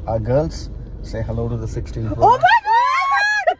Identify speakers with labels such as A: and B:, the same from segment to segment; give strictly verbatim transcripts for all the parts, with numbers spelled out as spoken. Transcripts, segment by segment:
A: Our girls say hello to the sixteen Pro.
B: Oh my god!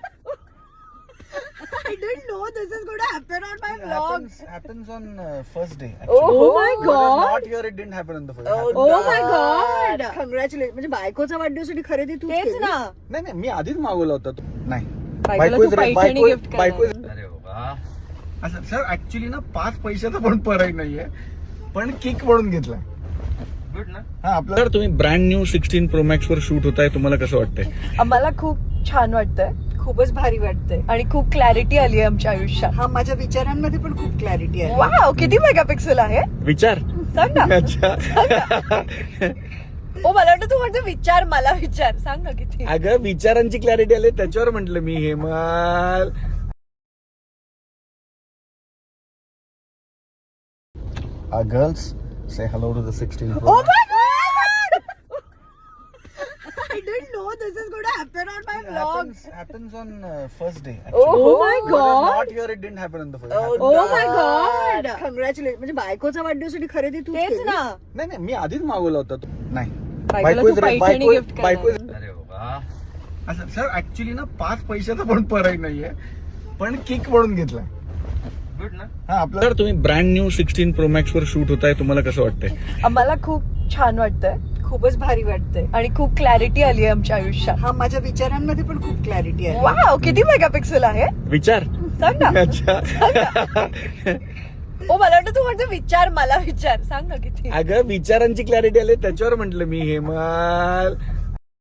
B: I didn't know this is going to happen on my
A: It
B: vlog.
A: happens, happens on uh, first day.
B: Oh my
A: But
B: god!
A: not here. It didn't happen on the first. It
B: Oh,
A: happened-
B: oh my god! Congratulations. म्हणजे बायकोचा वाढदिवसाची खरेदी तू
C: तेच ना.
A: नाही नाही मी आधीच मागवला होता तो. नाही
C: बायकोला तू
A: रे-
C: पैठणी
A: बायको-
C: gift करणार.
A: बायको- अरे बाबा असं सर ऍक्च्युली ना पाच पैशाचा पण परत नाहीये पण किक म्हणून घेतलाय गुड ना हा आपला सर तुम्ही brand new sixteen pro max वर शूट होताय तुम्हाला कसं वाटतंय
C: आम्हाला खूप छान वाटतंय, खूपच भारी वाटतंय आणि खूप क्लॅरिटी आली आहे आमच्या आयुष्यात.
B: हा माझ्या विचारांमध्ये पण खूप क्लॅरिटी आहे.
C: वाव, किती मेगापिक्सेल आहे
A: विचार
C: सांग ना.
A: अच्छा
C: ओ मला वाटतं तू म्हणतो विचार, मला विचार सांग ना किती.
A: अगं विचारांची क्लॅरिटी आली त्याच्यावर म्हंटल मी हेमाल. Our girls say hello to the sixteen Pro.
B: Oh my god! I didn't know this is going to happen on my
A: It
B: vlog.
A: happens, happens on uh, first day.
C: Oh
B: my
A: But
B: god!
A: Not here. It didn't happen on the first. It
C: Oh
A: happened-
B: Oh my god! Congratulations. म्हणजे बायकोचा वाढदिवसाची खरेदी तू
C: तेच ना.
A: नाही नाही मी आधीच मागवला होता तो. नाही
C: बायकोला तू
A: रे-
C: पैठणी
A: बायको-
C: gift करणार.
A: बायको- अरे बाबा असं सर ऍक्च्युली ना पाच पैशाचा पण परत नाहीये पण किक म्हणून घेतलाय गुड ना हा आपला सर तुम्ही brand new sixteen pro max वर शूट होताय तुम्हाला कसं वाटतंय
C: आम्हाला खूप छान वाटतंय, खूपच भारी वाटतंय आणि खूप क्लॅरिटी आली आहे आमच्या आयुष्यात.
B: हा माझ्या विचारांमध्ये पण खूप क्लॅरिटी आहे.
C: वाव, किती मेगापिक्सेल आहे
A: विचार
C: सांग ना.
A: अच्छा
C: ओ मला वाटतं तू म्हणतो विचार, मला विचार सांग ना किती.
A: अगं विचारांची क्लॅरिटी आली त्याच्यावर म्हंटल मी हेमाल.